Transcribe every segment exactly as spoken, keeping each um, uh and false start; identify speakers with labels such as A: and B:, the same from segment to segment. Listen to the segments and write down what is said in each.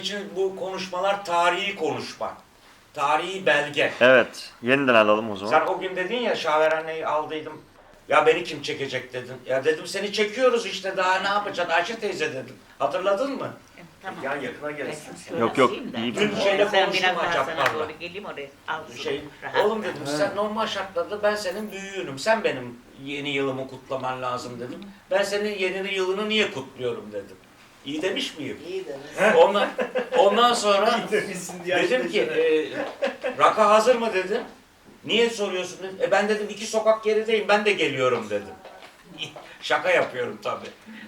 A: için bu konuşmalar tarihi konuşma. Tarihi belge.
B: Evet. Yeniden alalım o zaman.
A: Sen o gün dedin ya Şaver anneyi aldıydım. Ya beni kim çekecek dedin. Ya dedim seni çekiyoruz işte daha ne yapacaksın Ayşe teyze dedim. Hatırladın mı?
C: Tamam.
A: Ya yakına gelirsin.
C: Ben şöyle
B: Yok, yok,
C: alayım da.
B: iyi.
A: Dün şeyle
C: Ben
A: konuştum
C: biraz daha sana
A: Acaplar'la.
C: doğru geleyim oraya. Al
A: Şey,
C: rahat.
A: oğlum dedim sen normal şartlarda ben senin büyüğünüm. Sen benim yeni yılımı kutlaman lazım dedim. Ben senin yeni yılını niye kutluyorum dedim. İyi demiş miyim?
D: İyi demiş.
A: Ondan, ondan sonra
E: Demişsin diye
A: dedim ki e, Raka hazır mı dedim. Niye soruyorsun dedim. E ben dedim iki sokak gerideyim ben de geliyorum dedim. Şaka yapıyorum tabii.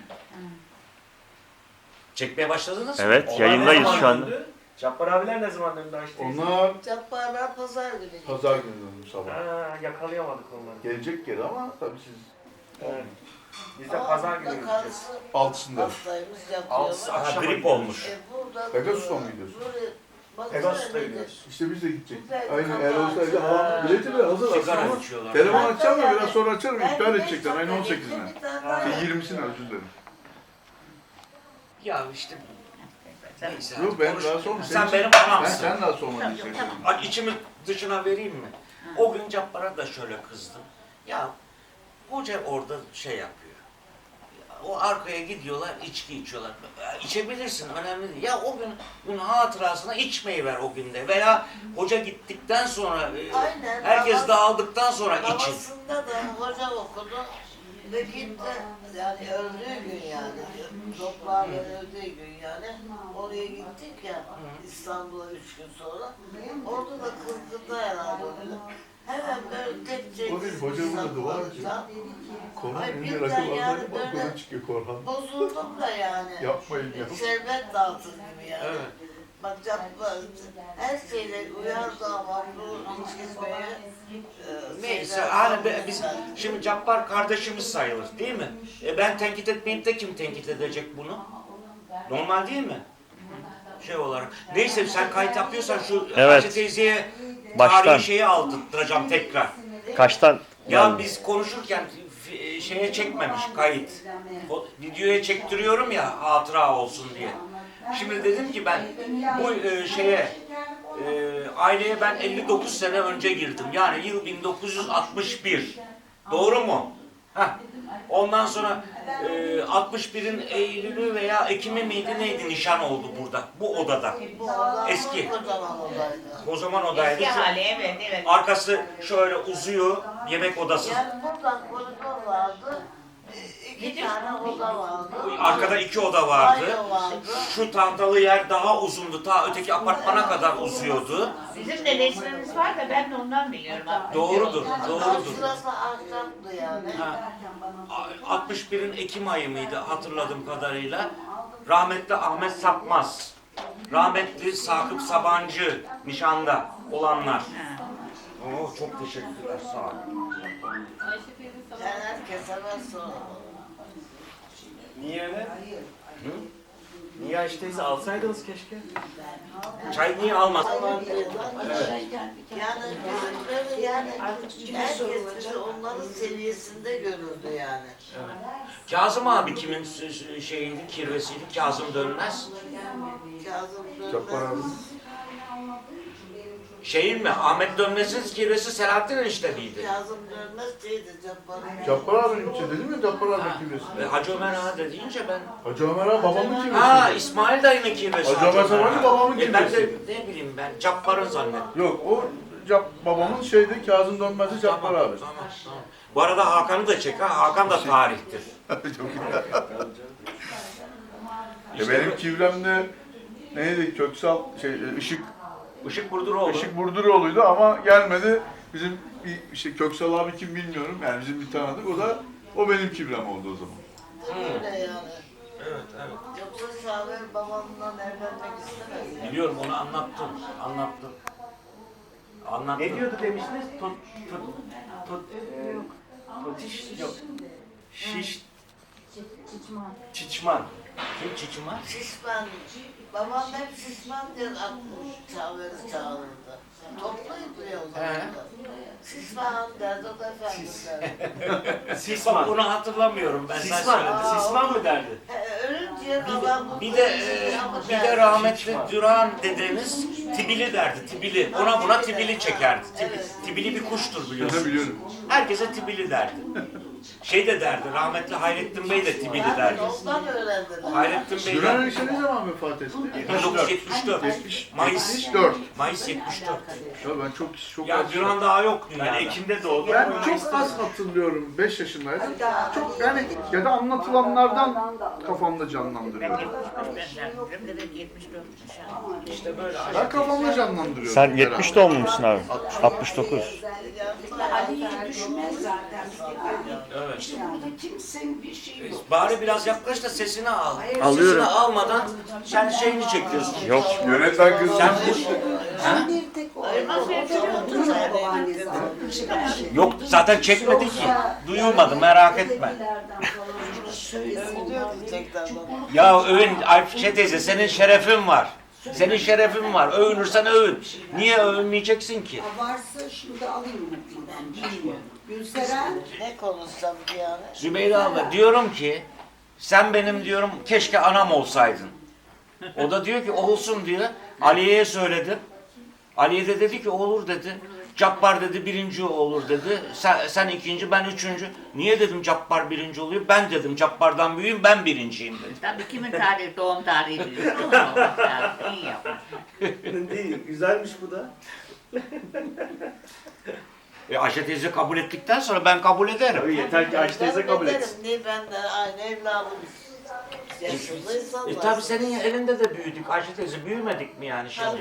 A: Çekmeye başladınız mı?
B: Evet,
A: Onlar
B: yayındayız
A: ne zaman
B: şu an.
A: döndü?
E: Cabbar abiler ne zaman döndü Ayşe teyze?
F: Onlar
D: Cabbarlar pazar günü.
F: pazar günü döndü sabah.
E: Ha, yakalayamadık onları.
F: Gelecek geri ama tabii siz
E: Evet. Biz de pazar günü gideceğiz.
D: Karısı
F: altısında.
D: hastaymış
E: Altısı
D: yatıyormuş.
A: Ha,
E: akşama
A: grip olmuş.
D: E burada
F: Pegasus'a mı gidiyorsun?
E: Pegasus'ta gidiyoruz.
F: İşte biz de gidecek.
D: Evet,
F: Aynı
D: kapağı
F: eğer olsaydı
D: açıyor.
F: halam bileti bile hazır
A: Sigara
F: aslında.
A: içiyorlar.
F: Telefon açacağım ya biraz sonra açarım. İptal edecekler aynı on sekizine. Şey, yirmisine özür dilerim.
A: Ya işte neyse.
F: Yok ben
A: konuş-
F: daha sonra
A: Sen
F: senin-
A: benim
F: Ben
A: anamsın.
F: sen daha sormanı
C: Tamam,
F: istedim.
C: tamam.
A: Ay, içimi dışına vereyim mi? O gün Cabbar'a da şöyle kızdım. Ya hoca orada şey yapıyor. O arkaya gidiyorlar, içki içiyorlar. Ya, İçebilirsin, önemli değil. Ya o gün gün hatırasına içmeyi ver o günde. Veya hoca gittikten sonra, e,
D: Aynen,
A: herkes
D: namaz-
A: dağıldıktan sonra için.
D: Babasında da hoca okudu. Ve gitti, yani öldüğü gün yani, toprağın öldüğü gün yani, oraya gittik ya, İstanbul'a üç gün sonra, orada da kızgında herhalde onu. Hemen böyle tek tek
F: O değil, hocamın adı var ki. Korhan
D: Ay,
F: önce
D: birden
F: rakı
D: yani
F: vardı
D: böyle-
F: balkona çıkıyor Korhan.
D: bozuldum da yani.
F: Yapmayın ya.
D: Şerbet dağıtır gibi yani.
A: Evet.
D: Bak yapma, her şeyle uyardı ama bu içkizmeye e,
A: Neyse,
D: şeyler-
A: hani be- biz şimdi Cabbar kardeşimiz sayılır değil mi? E ben tenkit etmeyip de kim tenkit edecek bunu? Normal değil mi? Şey olarak. Neyse sen kayıt yapıyorsan şu
B: Evet.
A: Ayşe teyzeye
B: Baştan.
A: tarihi şeyi aldırtacağım tekrar.
B: Kaçtan?
A: Ya
B: geldi?
A: biz konuşurken f- şeye çekmemiş kayıt. O, videoya çektiriyorum ya hatıra olsun diye. Şimdi dedim ki ben bu e, şeye e, aileye ben elli dokuz sene önce girdim. Yani yıl bin dokuz yüz altmış bir. Doğru mu? Heh. Ondan sonra e, altmış birin Eylül'ü veya Ekim'i miydi neydi nişan oldu burada. Bu odada.
D: Bu oda
A: Eski.
D: kocaman odaydı.
A: O zaman odaydı.
C: Eski
A: Şu-
C: hali evet evet.
A: Arkası şöyle uzuyor, yemek odası.
D: Yani buradan koridor vardı, iki
C: Nedir?
D: tane oda vardı.
A: Arkada iki oda vardı.
D: Banyo vardı.
A: Şu tahtalı yer daha uzundu. Ta öteki apartmana kadar uzuyordu.
C: Bizim de resmimiz var da ben de ondan biliyorum. abi.
A: Doğrudur, doğrudur.
D: Şurası ahşaptı yani.
A: Ha, altmış birin Ekim ayı mıydı hatırladığım kadarıyla. Rahmetli Ahmet Sapmaz. Rahmetli Sakıp Sabancı nişanda olanlar.
C: Ha.
A: Oo, çok teşekkürler, sağ olun.
D: Yani herkese ben sonra.
E: Niye öyle?
A: Hı?
E: Niye Ayşe teyze alsaydınız keşke?
A: Çay niye almadın?
D: Yani bizim böyle yani herkes bizi onların seviyesinde görürdü yani.
A: Kazım abi kimin şeyiydi, kirvesiydi? Kazım Dönmez.
D: Kazım
F: Cabbar abi.
D: Dönmez.
A: Şeyin mi? Ahmet Dönmez'in kirvesi Selahattin Enişte miydi?
D: Kazım Dönmez şeydi Cabbar'ın.
F: Cabbar abinin için dedim ya Cabbar abinin kimlesi.
A: E, Hacı Ömer Ağa da deyince ben...
F: Hacı Ömer abi babamın kimlesi.
A: Ha İsmail dayının kirvesi.
F: Hacı Ömer Sabancı
A: Ağa.
F: babamın
A: E, ben de
F: kirvesi.
A: ne bileyim ben Cabbar'ın zannettim.
F: Yok o Cap, babamın şeyde Kazım Dönmez'i Cabbar
A: Tamam,
F: abi.
A: tamam, tamam. Bu arada Hakan'ı da çek ha. Hakan da tarihtir.
F: Çok iyi. Ya benim kivremde neydi Köksal şey Işık
A: Işık Burduroğlu.
F: Işık Burduroğlu'ydu ama gelmedi. Bizim bir işte Köksal abi kim bilmiyorum. Yani bizim bir tanıdık. O da o benim kibrem oldu o zaman.
D: Öyle yani.
A: Evet, evet.
D: Yoksa Şaver babamdan evlenmek istemez.
A: Biliyorum onu anlattım. Anlattım. Anlattım.
E: Ne diyordu demiştiniz? Tot, tot, tot, e, totiş, yok. Şiş, çiçman.
A: Kim Çiçima?
D: Şişman. Babam hep şişman diye Şaver'i çağırırdı. Topluydu ya o zaman.
A: He.
D: da. Şişman derdi, o da efendim derdi.
A: Bak
E: Sisman.
A: bunu hatırlamıyorum ben. Sen
E: Sisman,
A: söyledin.
D: Aa,
E: Sisman mı derdi?
D: He, ölünce diğer adam bu-
A: Bir de e, bir de rahmetli Duran dedeniz tibili derdi, tibili. Ona buna tibili çekerdi. Tibi- Tibili bir kuştur biliyorsun.
F: Biliyorum.
A: Herkese tibili derdi. Şey de derdi, rahmetli Hayrettin Bey de tibili derdi.
D: Ondan öğrendiler.
A: Hayrettin Bey
F: Duran
A: de
F: Enişte ne zaman vefat etti?
A: bin dokuz yüz yetmiş dört. Mayıs
F: yetmiş dört.
A: Mayıs yetmiş dört.
F: Ya ben çok çok
A: Ya
F: az-
A: Duran daha yok
E: Ben
A: dünyada.
E: Ekim'de doğdum.
F: Ben çok az hatırlıyorum. beş yaşındaydım. Çok yani ya da anlatılanlardan kafamda canlandırıyorum.
C: Evet yetmiş dörtmüş ha.
A: İşte böyle.
F: Ben kafamda canlandırıyorum.
B: Sen yetmiş doğumlu musun abi? altmış dokuz.
G: Ali'yi düşmez zaten.
A: Evet.
G: İşte burada kimsenin bir şeyi yok.
A: Bari biraz yaklaş da sesini al.
B: Alıyorum.
A: Sesini almadan sen şeyini çekiyorsun.
B: Yok.
F: Yönetmen kızı.
A: Sen bu... Ha?
G: Bir tek o.
C: Nasıl
G: Oturun babaannesi almış.
A: Yok zaten çekmedi ki. Duyulmadı merak etme.
D: Övülüyordu tekrardan.
A: Ya övün Ayşe teyze senin şerefin var. Senin şerefin var. Övünürsen övün. Niye övünmeyeceksin ki?
G: Varsa şimdi alayım mı ben bilmiyorum. Gülseren
D: Ne konuşsam ki yani?
A: Zübeyde abla diyorum ki sen benim diyorum keşke anam olsaydın. O da diyor ki olsun diyor. Aliye'ye söyledim. Aliye de dedi ki olur dedi. Cabbar dedi birinci olur dedi. Sen, sen ikinci ben üçüncü. Niye dedim Cabbar birinci oluyor? Ben dedim Cabbar'dan büyüğüm ben birinciyim dedi.
C: Tabii kimin tarihi, doğum tarihi biliyorsun. Ama iyi yapmış.
E: Değil, güzelmiş bu da.
A: E Ayşe teyze kabul ettikten sonra ben kabul ederim.
E: Tabii yeter ki Ayşe teyze kabul
D: ederim.
E: etsin.
D: Niye ben de aynı evladımız. Yaşında insanlar.
A: E tabi senin elinde de büyüdük. Ayşe teyze büyümedik mi yani şimdi?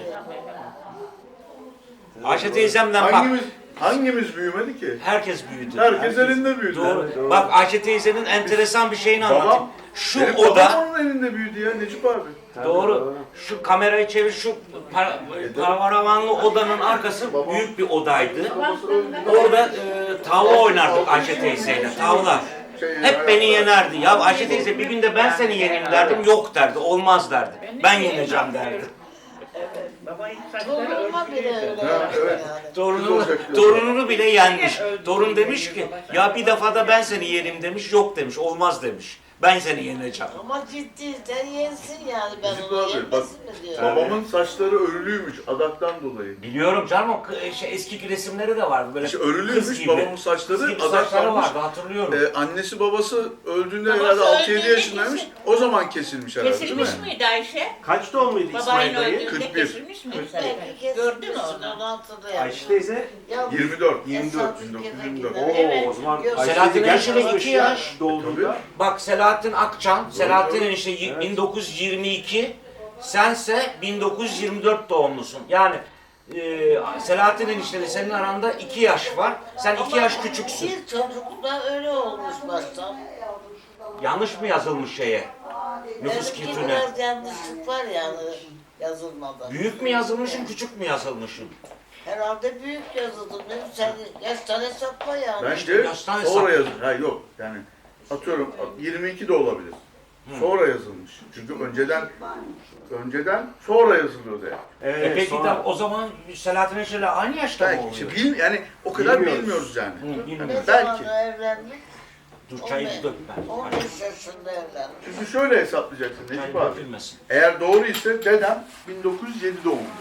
A: Ayşe teyzemden bak.
F: Hangimiz hangimiz büyümedi ki?
A: Herkes büyüdü.
F: Herkes elinde büyüdü.
A: Doğru.
E: Evet, doğru.
A: Bak Ayşe teyzenin enteresan bir şeyini anlatayım.
F: Babam,
A: Şu
F: benim
A: oda,
F: babam onun elinde büyüdü ya Necip abi.
A: doğru. Şu kamerayı çevir, şu para, paravanlı odanın arkası büyük bir odaydı. Orada e, tavla oynardık Ayşe teyzeyle, tavla. Hep beni yenerdi. Ya Ayşe teyze bir gün de ben seni yeneyim derdim. Yok derdi, olmaz derdi. Ben yeneceğim derdi.
C: Babayın saçları
D: Torunuma bile
C: örgülüydü.
D: öyle
F: Ha,
D: yaptı
F: evet.
D: yani.
A: Torununu, torununu bile yenmiş. Torun demiş ki ya bir defada ben seni yerim demiş. Yok demiş, olmaz demiş. Ben seni yeneceğim.
D: Ama ciddiysen yensin yani ben
F: Necip
D: onu
F: abi, bak,
D: yenmesin mi diyorum.
F: Babamın saçları örülüymüş adaktan dolayı.
A: Biliyorum canım o k- şey, eski resimleri de vardı böyle.
F: İşte
A: kız
F: örülüymüş
A: gibi.
F: babamın
A: Kız
F: saçları
A: gibi saçları
F: adaklanmış.
A: vardı hatırlıyorum.
F: Ee, annesi babası öldüğünde
C: Babası
F: herhalde altı yedi
C: öldüğünde
F: yaşındaymış.
C: kesin-
F: O zaman kesilmiş herhalde değil mi?
C: Kesilmiş miydi Ayşe?
E: Kaç doğumluydu
C: Babayın
E: İsmail dayı?
C: öldüğünde
F: kırk bir.
C: kesilmiş miydi?
D: Belki
C: Gördün mü
D: kesilmişsin,
C: onu?
D: onu hatırlayamıyorum.
E: Ayşe teyze
D: Yalnız
F: yirmi dört.
E: yirmi dört.
F: bin dokuz yüz
D: Esas
F: yirmi dört.
D: ülkeler
E: Oo,
C: Evet.
E: o zaman
D: Yok.
E: Ayşe
A: Selahattin
E: teyze genç
A: Enişte
E: kızmış
A: iki
E: ya
A: yaş.
E: doğduğunda.
A: Bak Selahattin Akçan, Selahattin
F: Doğru.
A: enişte y-
E: Evet.
A: bin dokuz yüz yirmi iki, sense bin dokuz yüz yirmi dört doğumlusun. Yani e, Selahattin enişteyle senin aranda iki yaş var. Sen iki yaş küçüksün.
D: Bir çocukta öyle olmuş baştan.
A: Yanlış mı yazılmış şeye? Nüfus
D: Benimki
A: kültürüne.
D: biraz yanlışlık var yani yazılmada.
A: Büyük mü yazılmışım, küçük mü yazılmışım?
D: Herhalde büyük yazıldı. Ne sen yaştan hesapla yani.
F: Bence
A: yaştan hesap.
F: sonra yazılmış. Ha yok yani atıyorum yirmi iki de olabilir. Sonra yazılmış. Çünkü önceden önceden sonra yazılıyordu yani.
E: Evet,
A: E peki
E: sonra-
A: de o zaman Selahattin enişteyle aynı yaşta mı
F: Belki
A: oluyor?
F: işte bil, yani o kadar
E: Bilmiyoruz.
F: bilmiyoruz yani.
A: Hı,
D: Ne
A: bilmiyorum.
F: Belki.
D: zaman evlendik?
A: Dur çayı
D: on beş-
A: dökme.
D: on beş yaşında evlendik.
F: Çünkü şöyle hesaplayacaksın
A: Çay
F: Necip abi.
A: dökülmesin.
F: Eğer doğru ise dedem bin dokuz yüz yedi doğumlu.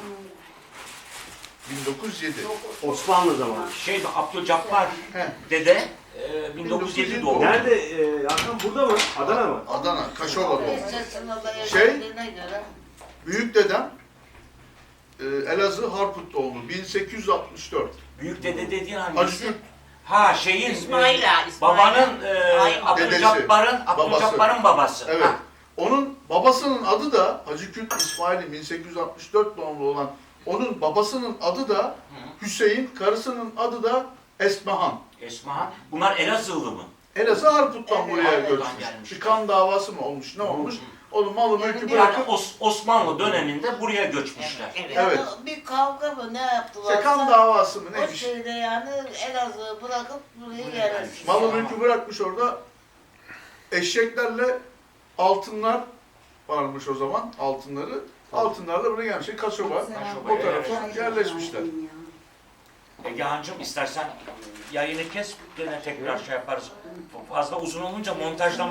F: bin dokuz yüz yedi.
E: Osmanlı zamanı.
A: Şey Abdülcabbar
F: He.
A: dede e, bin dokuz yüz yedi doğumlu.
E: Nerede? E, Hakan burada mı? Adana mı?
F: Adana, Kaşova
D: on
F: doğumlu.
D: beş yaşında da
F: Şey-
D: evlendiğine göre
F: Büyük dedem e, Elazığ Harput doğumlu bin sekiz yüz altmış dört.
A: Büyük dede dediğin
F: Hacı
A: hangisi?
F: Kürt
A: Ha şeyin
C: İsmail
A: e,
C: ağa, İsmail.
A: babanın e,
C: Aynen.
A: Abdülcabbar'ın Abdülcabbar'ın babası.
F: Evet.
A: Ha.
F: Onun babasının adı da Hacı Kürt İsmail'in bin sekiz yüz altmış dört doğumlu olan onun babasının adı da Hüseyin, karısının adı da Esmahan.
A: Esma. Bunlar Elazığlı mı?
F: Elazığ Harput'tan
D: Evet,
F: buraya
D: evet,
F: göçmüş.
A: gelmiş.
F: Bir kan davası mı olmuş, ne olmuş? Onu malı mülkü
D: Yani
A: Yani
F: bırakıp
A: Os- Osmanlı döneminde buraya göçmüşler.
C: Evet.
F: Evet.
D: yani bir kavga mı ne yaptılar?
F: işte kan davası mı
D: O
F: neymiş?
D: şeyde yani Elazığ'ı bırakıp buraya yerleşmiş.
F: Malı mülkü bırakmış orada. Eşeklerle altınlar varmış o zaman, altınları. Altınlarla buraya gelmiş. Kaşoba,
A: Kaşoba,
F: o tarafa
A: evet.
F: yerleşmişler.
A: Egehan'cığım istersen yayını kes, gene tekrar şey yaparız. Fazla uzun olunca montajlama